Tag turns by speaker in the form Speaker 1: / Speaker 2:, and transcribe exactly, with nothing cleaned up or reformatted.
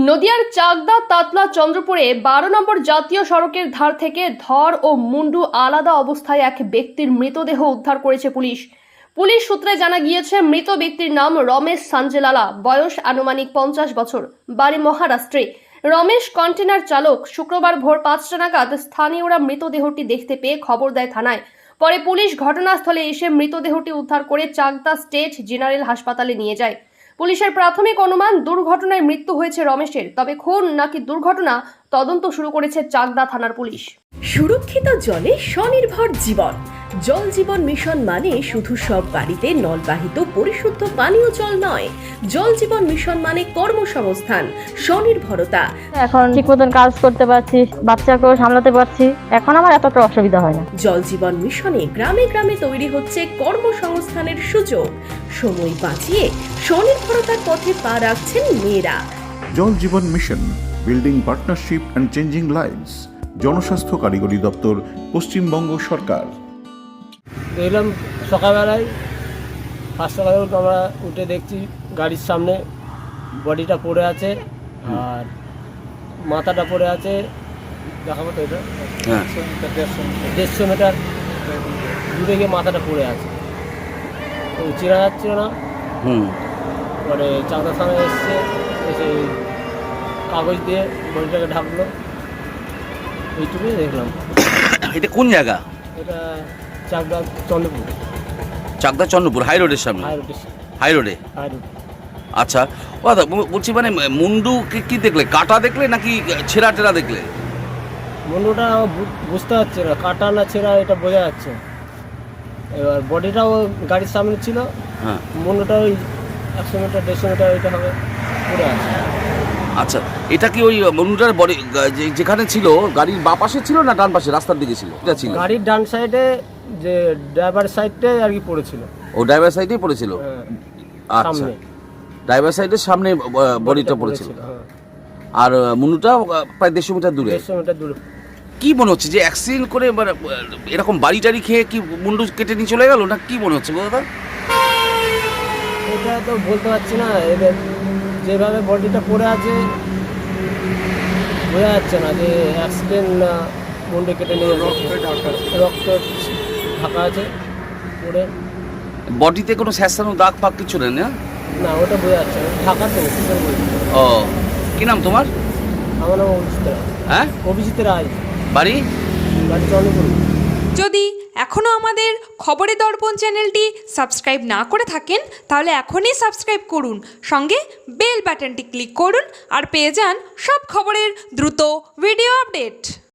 Speaker 1: নদিয়ার চাকদা তাতলা চন্দ্রপুরে বারো নম্বর জাতীয় সড়কের ধার থেকে ধর ও মুন্ডু আলাদা অবস্থায় এক ব্যক্তির মৃতদেহ উদ্ধার করেছে পুলিশ। পুলিশ সূত্রে জানা গিয়েছে, মৃত ব্যক্তির নাম রমেশ সাঞ্জেলালা, বয়স আনুমানিক পঞ্চাশ বছর, বাড়ি মহারাষ্ট্রে। রমেশ কন্টেনার চালক। শুক্রবার ভোর পাঁচটা নাগাদ স্থানীয়রা মৃতদেহটি দেখতে পেয়ে খবর দেয় থানায়। পরে পুলিশ ঘটনাস্থলে এসে মৃতদেহটি উদ্ধার করে চাকদা স্টেট জেনারেল হাসপাতালে নিয়ে যায়। পুলিশের প্রাথমিক অনুমান দুর্ঘটনায় মৃত্যু হয়েছে রমেশের, তবে খুন নাকি দুর্ঘটনা তদন্ত শুরু করেছে চাকদা থানার পুলিশ।
Speaker 2: সুরক্ষিত জলে স্বনির্ভর জীবন। জল জীবন মিশন মানে শুধু সব বাড়িতে নলবাহিত পরিশুদ্ধ পানীয় জল নয়, জল জীবন মিশন মানে কর্মসংস্থান, স্বনির্ভরতা।
Speaker 3: এখন ঠিক মতন কাজ করতে পারছি, বাচ্চাকেও সামলাতে পারছি, এখন আমার এতটা অসুবিধা হয় না।
Speaker 2: জল জীবন মিশনে গ্রামে গ্রামে তৈরি হচ্ছে কর্মসংস্থানের সুযোগ। সময় বাঁচিয়ে স্বনির্ভরতার পথে পা রাখছেন মেয়েরা।
Speaker 4: Jal Jeevan mission, building partnership and changing lives. জনস্বাস্থ্য কারিগরি দপ্তর, পশ্চিমবঙ্গ সরকার।
Speaker 5: দেখলাম সকালবেলায় পাঁচটা বাজে আমরা উঠে দেখছি গাড়ির সামনে বডিটা পড়ে আছে আর মাথাটা পড়ে আছে। দেখাবো তো এটা, হ্যাঁ দেড়শো মিটার দূরে গিয়ে মাথাটা পড়ে আছে, তো চেনা যাচ্ছিল না। হুম পরে চাকদা থানায় এসছে, এসে কাগজ দিয়ে বডিটাকে ঢাকলো, এইটুকুই দেখলাম।
Speaker 6: এটা কোন জায়গা?
Speaker 5: এটা চাকদা চন্দ্রপুর।
Speaker 6: চাকদা চন্দ্রপুর হাই রোডের সামনে?
Speaker 5: হাই রোডের
Speaker 6: হাই রোডে।
Speaker 5: High road.
Speaker 6: আচ্ছা, ও দাদা বলছি, মানে মুন্ডু কি কি দেখলে? কাটা দেখলে নাকি ছেঁড়া টেরা দেখলে?
Speaker 5: মুন্ডুটা বুঝতে পারছে না, কাটা না ছেঁড়া এটা বোঝা যাচ্ছে। এবার বডিটাও গাড়ির সামনে ছিল, হ্যাঁ মুন্ডুটা ওই একশো মিটার দেড়শো মিটার এটা হবে পড়ে আছে।
Speaker 6: আচ্ছা, এটা কি ওই মুন্ডুটার বডি যেখানে ছিল গাড়ির বাঁ পাশে ছিল না ডান পাশে রাস্তার দিকে ছিল? এটা ছিল
Speaker 5: গাড়ির ডান সাইডে, যে ড্রাইভার সাইডে আর কি পড়েছিল।
Speaker 6: ও ড্রাইভার সাইডেই পড়েছিল? আচ্ছা, ড্রাইভার সাইডের সামনে বডিটা পড়েছিল। আর মুন্ডুটা প্রায় দেড়শো মিটার দূরে।
Speaker 5: দেড়শো মিটার দূরে।
Speaker 6: কি মনে হচ্ছে যে অ্যাক্সিডেন্ট করে মানে এরকম বাড়ি টাড়ি খেয়ে কি মুন্ডু কেটে নিয়ে চলে গেল, না কি মনে হচ্ছে দাদা?
Speaker 5: এটা তো বলতে পারছি না, এদের যেভাবে বডিটা পড়ে আছে বোঝা যাচ্ছে না যে অ্যাক্সিডেন্ট না মুন্ডু কেটে নিয়ে রক্ত ঢাকা আছে পড়ে।
Speaker 6: বডিতে কোনো স্যাঁতস্যাঁতো দাগ ফাগ কিছু নেই না?
Speaker 5: না, ওটা বোঝা যাচ্ছে না, ঢাকা তো কি করে বলবো।
Speaker 6: ও, কি নাম তোমার?
Speaker 5: আমার নাম অভিজিৎ রায়।
Speaker 6: হ্যাঁ,
Speaker 5: অভিজিৎ রায়।
Speaker 6: বাড়ি?
Speaker 5: বাড়ি চন্দ্রপুর।
Speaker 7: যদি এখনও আমাদের খবরের দর্পণ চ্যানেলটি সাবস্ক্রাইব না করে থাকেন, তাহলে এখনই সাবস্ক্রাইব করুন, সঙ্গে বেল বাটনটি ক্লিক করুন আর পেয়ে যান সব খবরের দ্রুত ভিডিও আপডেট।